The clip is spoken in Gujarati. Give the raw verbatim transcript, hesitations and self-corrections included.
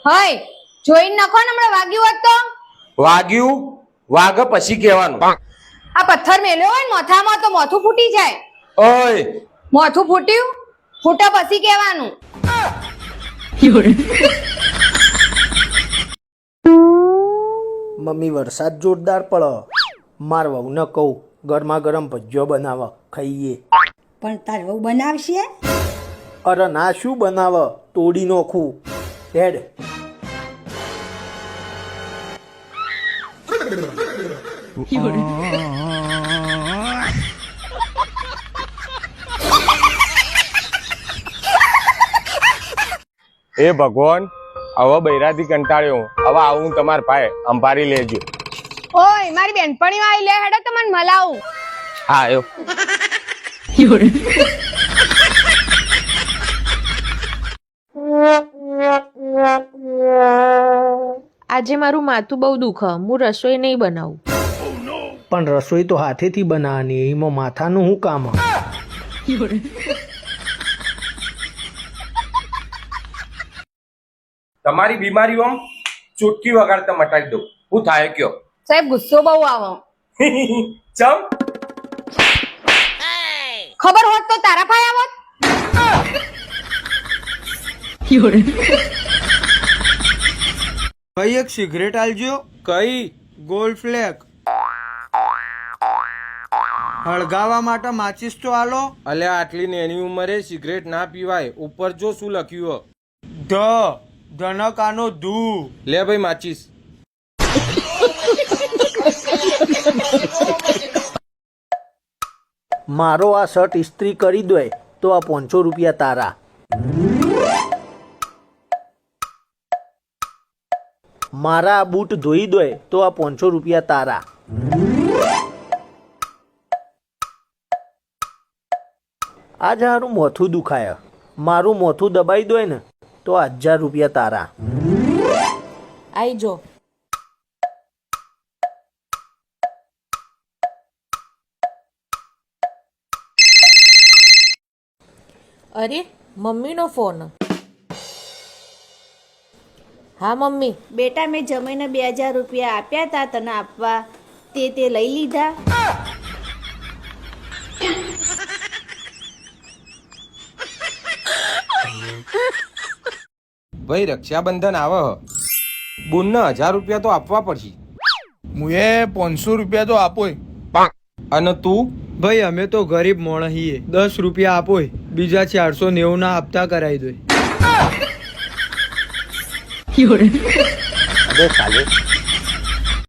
હય જોઈને નખો ને હમણાં વાગ્યું હોત તો વાગ્યું વાગ પછી કહેવાનું. આ પથ્થર મેલ્યો હોય ને માથામાં તો માથું ફૂટી જાય. ઓય માથું ફૂટ્યું ફૂટા પછી કહેવાનું. મમ્મી વરસાદ જોરદાર પડે, માર વહુને કહું ગરમા ગરમ ભજીયો બનાવ ખાઈએ. પણ તાર વહુ બનાવશે? અરે ના, શું બનાવ, તોડી નોખું હેડ. એ ભગવાન, હવે બૈરાથી કંટાળ્યો હું. હવે આવું તમાર પાસે અંભારી લેજો. ઓય મારી બેનપણીઓ આવી લે હેડો તમને મલાવું. હા આવ્યો. આજે મારું માથું બહુ દુખે, હું રસોઈ નહીં બનાવું. પણ રસોઈ તો હાથેથી બનાવવાની, એમાં માથાનું શું કામ? તમારી બીમારીઓ ચૂટકી વગાડતા મટાડી દઉં. શું થાય કયો? સાહેબ ગુસ્સો બહુ આવો. ચમ ખબર હોત તો તારા પાસે આવત. કઈ એક સિગરેટ આલજો. કઈ? ગોલ્ડ ફ્લેક. હળગાવા માટે માચીસ તો આલો. અલે આટલી નાની ઉંમરે સિગરેટ ના પીવાય. ઉપર જો શું લખ્યું હ. ધ ધનકાનો ધુ. લે ભાઈ માચીસ. મારો આ શર્ટ ઇસ્ત્રી કરી દો તો આ પાંચસો રૂપિયા તારા. મારા આ બૂટ ધોઈ દો તો આ પાંચસો રૂપિયા તારા. આજે મારું મોથું દુખાય, મારું મોથું દબાઈ દો ને તો આ હજાર રૂપિયા તારા. આઈ જો. અરે મમ્મીનો ફોન. હા મમ્મી. બેટા, મેં જમીને બે હજાર રૂપિયા આપ્યા હતા તને આપવા, તે તે લઈ લીધા? ભાઈ રક્ષાબંધન આવે હ, બુનને હજાર રૂપિયા તો આપવા પડશે. મુએ પાંચસો રૂપિયા તો આપોય. અને તું? ભાઈ અમે તો ગરીબ મોણ છીએ, દસ રૂપિયા આપોય, બીજા ચારસો નેવું ના હપ્તા કરાવી દો. અરે ચાલે.